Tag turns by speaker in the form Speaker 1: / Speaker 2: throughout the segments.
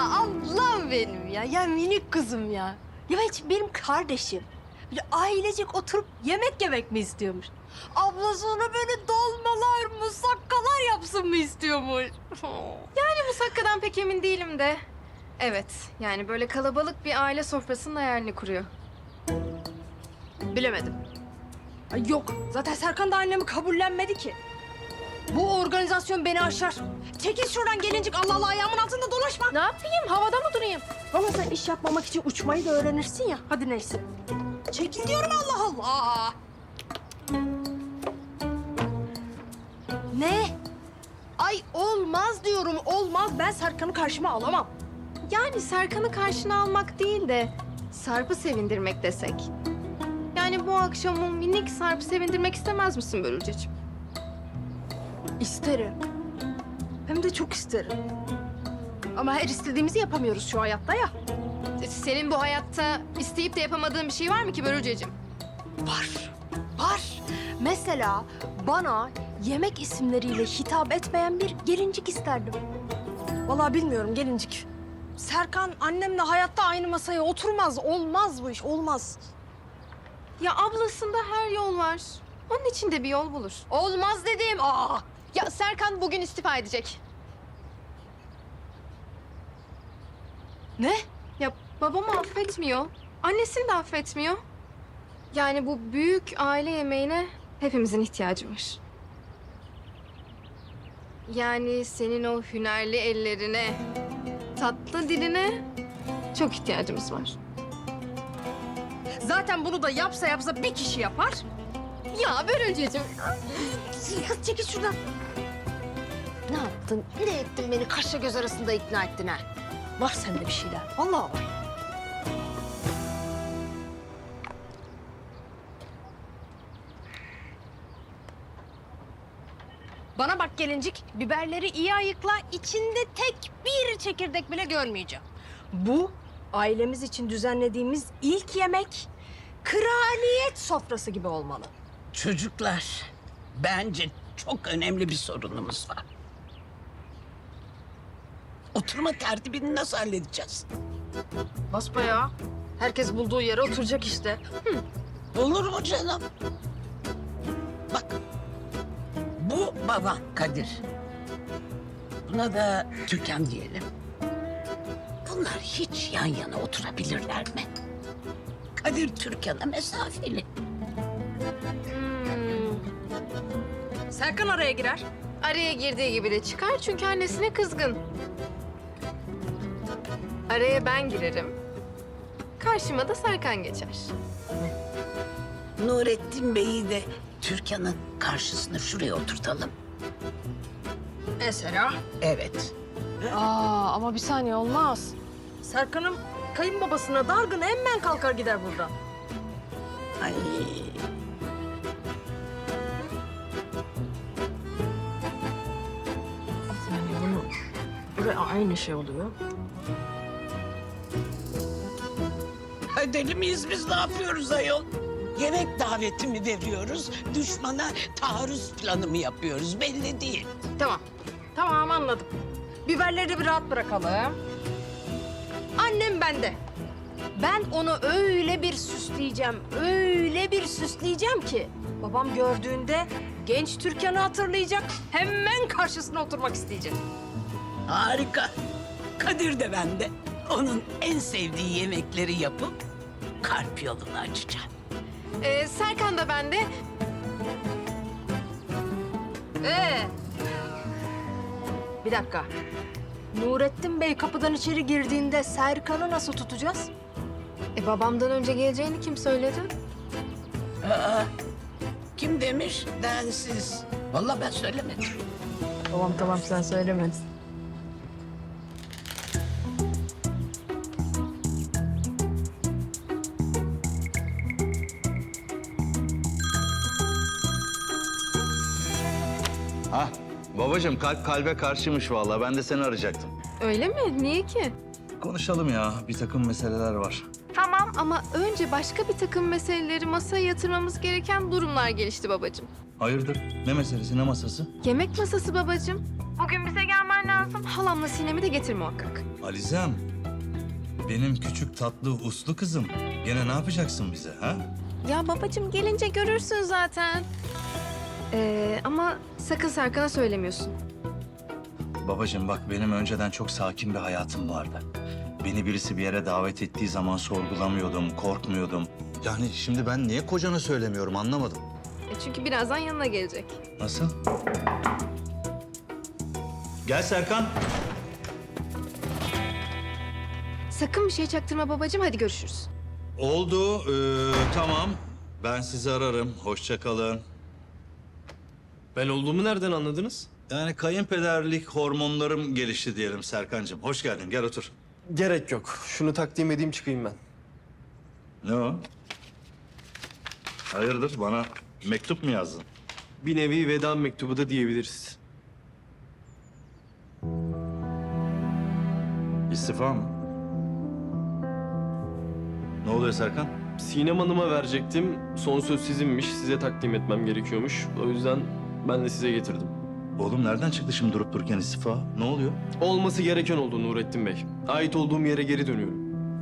Speaker 1: ablam benim ya. Ya minik kızım ya. Ya hiç benim kardeşim. Böyle ailecek oturup yemek yemek mi istiyormuş? Ablası ona böyle dolmalar, musakkalar yapsın mı istiyormuş?
Speaker 2: Musakkadan pek emin değilim de. Evet, yani böyle kalabalık bir aile sofrasının hayalini kuruyor.
Speaker 1: Bilemedim. Ay yok, zaten Serkan da annemi kabullenmedi ki. Bu organizasyon beni aşar. Çekil şuradan gelincik, Allah Allah, ayağımın altında dolaşma.
Speaker 2: Ne yapayım? Havada mı durayım?
Speaker 1: Ama sen iş yapmamak için uçmayı da öğrenirsin ya. Hadi neyse. Çekil diyorum, Allah Allah. Ne? Ay olmaz diyorum, olmaz. Ben Serkan'ı karşıma alamam.
Speaker 2: Yani Serkan'ı karşına almak değil de Sarp'ı sevindirmek desek. Yani bu akşam o minik Sarp'ı sevindirmek istemez misin Börülceciğim?
Speaker 1: İsterim. Hem de çok isterim. Ama her istediğimizi yapamıyoruz şu hayatta ya.
Speaker 2: Senin bu hayatta isteyip de yapamadığın bir şey var mı ki Börülceciğim?
Speaker 1: Var. Var. Mesela bana yemek isimleriyle hitap etmeyen bir gelincik isterdim. Vallahi bilmiyorum gelincik. Serkan annemle hayatta aynı masaya oturmaz. Olmaz bu iş, olmaz.
Speaker 2: Ya ablasında her yol var. Onun için de bir yol bulur.
Speaker 1: Olmaz dedim.
Speaker 2: Ya Serkan bugün istifa edecek.
Speaker 1: Ne?
Speaker 2: Ya babamı affetmiyor. Annesini de affetmiyor. Yani bu büyük aile yemeğine hepimizin ihtiyacı var. Yani senin o hünerli ellerine, tatlı diline çok ihtiyacımız var.
Speaker 1: Zaten bunu da yapsa yapsa bir kişi yapar.
Speaker 2: Ya Börülceciğim.
Speaker 1: Kız çekil şuradan. Ne yaptın? Ne ettin beni kaşla göz arasında ikna ettin ha? Var sende bir şeyler. Vallahi var. Bana bak gelincik, biberleri iyi ayıkla. İçinde tek bir çekirdek bile görmeyeceğim. Bu ailemiz için düzenlediğimiz ilk yemek kraliyet sofrası gibi olmalı.
Speaker 3: Çocuklar, bence çok önemli bir sorunumuz var. Oturma tertibini nasıl halledeceğiz?
Speaker 1: Basbayağı. Herkes bulduğu yere oturacak işte.
Speaker 3: Olur mu canım? Bak, bu baban Kadir. Buna da Türkan diyelim. Bunlar hiç yan yana oturabilirler mi? Kadir Türkan'a mesafeli.
Speaker 1: Serkan araya girer.
Speaker 2: Araya girdiği gibi de çıkar çünkü annesine kızgın. Araya ben girerim. Karşıma da Serkan geçer.
Speaker 3: Nurettin Bey'i de Türkan'ın karşısına şuraya oturtalım.
Speaker 1: Mesela?
Speaker 3: Evet.
Speaker 1: Ama bir saniye olmaz. Serkan'ım kayınbabasına dargın hemen kalkar gider buradan.
Speaker 3: Ay.
Speaker 1: Yani bunu buraya aynı şey oluyor.
Speaker 3: Deli miyiz biz, ne yapıyoruz ayol? Yemek daveti mi veriyoruz, düşmana taarruz planı mı yapıyoruz belli değil.
Speaker 1: Tamam. Tamam anladım. Biberleri bir rahat bırakalım. Annem bende. Ben onu öyle bir süsleyeceğim, öyle bir süsleyeceğim ki babam gördüğünde genç Türkan'ı hatırlayacak, hemen karşısına oturmak isteyecek.
Speaker 3: Harika. Kadir de bende. Onun en sevdiği yemekleri yapıp kalp yolunu açacağım.
Speaker 2: Serkan da bende.
Speaker 1: Bir dakika. Nurettin Bey kapıdan içeri girdiğinde Serkan'ı nasıl tutacağız?
Speaker 2: Babamdan önce geleceğini kim söyledi?
Speaker 3: Aa, kim demiş? Densiz. Vallahi ben söylemedim.
Speaker 1: Tamam sen söylemedin.
Speaker 4: Hah, babacığım kalp kalbe karşıymış vallahi. Ben de seni arayacaktım.
Speaker 2: Öyle mi? Niye ki?
Speaker 4: Konuşalım ya. Bir takım meseleler var.
Speaker 2: Tamam ama önce başka bir takım meseleleri masaya yatırmamız gereken durumlar gelişti babacığım.
Speaker 4: Hayırdır? Ne meselesi, ne masası?
Speaker 2: Yemek masası babacığım. Bugün bize gelmen lazım. Halamla Sinem'i de getir muhakkak.
Speaker 4: Alizem, benim küçük tatlı uslu kızım. Gene ne yapacaksın bize ha?
Speaker 2: Ya babacığım gelince görürsün zaten. Ama sakın Serkan'a söylemiyorsun.
Speaker 4: Babacığım bak benim önceden çok sakin bir hayatım vardı. Beni birisi bir yere davet ettiği zaman sorgulamıyordum, korkmuyordum. Yani şimdi ben niye kocana söylemiyorum anlamadım.
Speaker 2: Çünkü birazdan yanına gelecek.
Speaker 4: Nasıl? Gel Serkan.
Speaker 2: Sakın bir şey çaktırma babacığım. Hadi görüşürüz.
Speaker 4: Oldu, tamam. Ben sizi ararım. Hoşça kalın.
Speaker 5: Ben olduğumu nereden anladınız?
Speaker 4: Yani kayınpederlik hormonlarım gelişti diyelim Serkancığım. Hoş geldin, gel otur.
Speaker 5: Gerek yok. Şunu takdim edeyim çıkayım ben.
Speaker 4: Ne o? Hayırdır, bana mektup mu yazdın?
Speaker 5: Bir nevi veda mektubu da diyebiliriz.
Speaker 4: İstifa mı? Ne oluyor Serkan?
Speaker 5: Sinem Hanım'a verecektim. Son söz sizinmiş. Size takdim etmem gerekiyormuş. O yüzden ben de size getirdim.
Speaker 4: Oğlum nereden çıktı şimdi durup dururken istifa? Ne oluyor?
Speaker 5: Olması gereken oldu Nurettin Bey. Ait olduğum yere geri dönüyorum.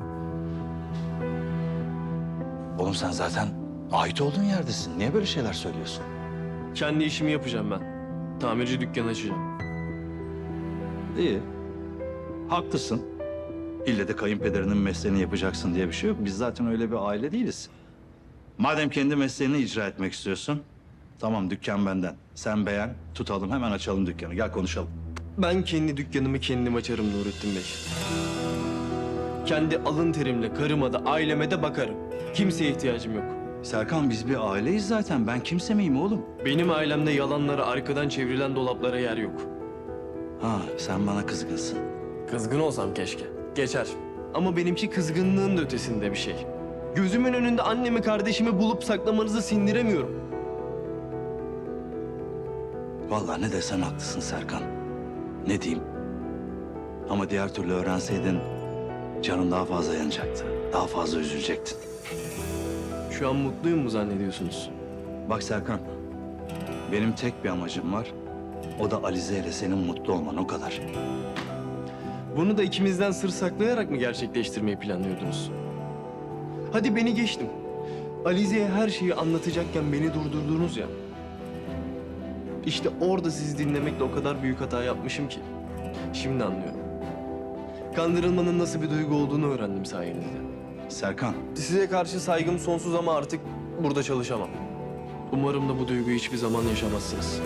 Speaker 4: Oğlum sen zaten ait olduğun yerdesin. Niye böyle şeyler söylüyorsun?
Speaker 5: Kendi işimi yapacağım ben. Tamirci dükkanı açacağım.
Speaker 4: İyi. Haklısın. İlle de kayınpederinin mesleğini yapacaksın diye bir şey yok. Biz zaten öyle bir aile değiliz. Madem kendi mesleğini icra etmek istiyorsun, tamam dükkan benden. Sen beğen, tutalım hemen açalım dükkanı. Gel konuşalım.
Speaker 5: Ben kendi dükkanımı kendim açarım Nurettin Bey. Kendi alın terimle karıma da aileme de bakarım. Kimseye ihtiyacım yok.
Speaker 4: Serkan biz bir aileyiz zaten. Ben kimse miyim oğlum?
Speaker 5: Benim ailemde yalanlara, arkadan çevrilen dolaplara yer yok.
Speaker 4: Ha sen bana kızgınsın.
Speaker 5: Kızgın olsam keşke. Geçer. Ama benimki kızgınlığın da ötesinde bir şey. Gözümün önünde annemi, kardeşimi bulup saklamanızı sindiremiyorum.
Speaker 4: Vallahi ne desen haklısın Serkan. Ne diyeyim? Ama diğer türlü öğrenseydin canın daha fazla yanacaktı. Daha fazla üzülecektin.
Speaker 5: Şu an mutluyum mu zannediyorsunuz?
Speaker 4: Bak Serkan, benim tek bir amacım var. O da Alize ile senin mutlu olman o kadar.
Speaker 5: Bunu da ikimizden sır saklayarak mı gerçekleştirmeyi planlıyordunuz? Hadi beni geçtim. Alize'ye her şeyi anlatacakken beni durdurdunuz ya. İşte orada sizi dinlemekle o kadar büyük hata yapmışım ki. Şimdi anlıyorum. Kandırılmanın nasıl bir duygu olduğunu öğrendim sayenizde.
Speaker 4: Serkan,
Speaker 5: Size karşı saygım sonsuz ama artık burada çalışamam. Umarım da bu duyguyu hiçbir zaman yaşamazsınız.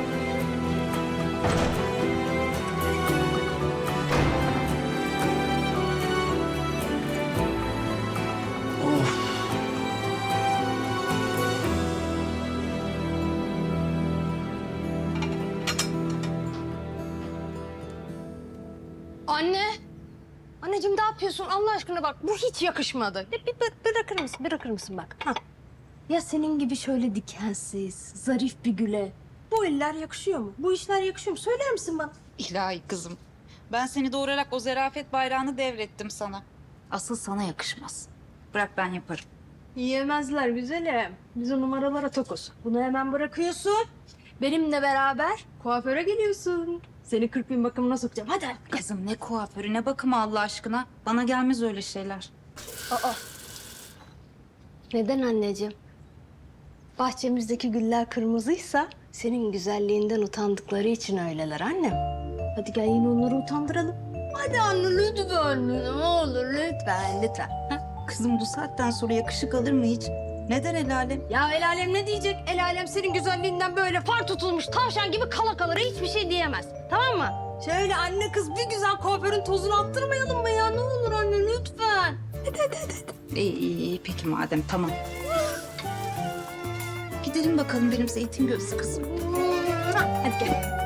Speaker 1: Anne! Anneciğim ne yapıyorsun Allah aşkına bak bu hiç yakışmadı. Bırakır mısın bırakır mısın bak. Hah. Ya senin gibi şöyle dikensiz, zarif bir güle bu eller yakışıyor mu? Bu işler yakışıyor mu? Söyler misin bana?
Speaker 6: İlahi kızım. Ben seni doğurarak o zerafet bayrağını devrettim sana. Asıl sana yakışmaz. Bırak ben yaparım.
Speaker 1: Yiyemezler güzelim. Biz o numaralara tokuz. Bunu hemen bırakıyorsun. Benimle beraber kuaföre geliyorsun. Seni 40 bin bakımına sokacağım. Hadi.
Speaker 6: Kızım ne kuaförü ne bakımı Allah aşkına. Bana gelmez öyle şeyler.
Speaker 7: Neden anneciğim? Bahçemizdeki güller kırmızıysa senin güzelliğinden utandıkları için öyleler annem.
Speaker 1: Hadi gel yine onları utandıralım. Hadi anne lütfen. Ne olur lütfen lütfen.
Speaker 6: Kızım bu saatten sonra yakışık alır mı hiç? Neden el alem?
Speaker 1: Ya el alem ne diyecek? El alem senin güzelliğinden böyle far tutulmuş tavşan gibi kala kalara hiçbir şey diyemez. Tamam mı? Şöyle anne kız bir güzel kuaförün tozunu attırmayalım mı ya? Ne olur anne lütfen.
Speaker 6: İyi peki madem tamam. Gidelim bakalım benim zeytin gözlü kızım.
Speaker 1: Hadi gel.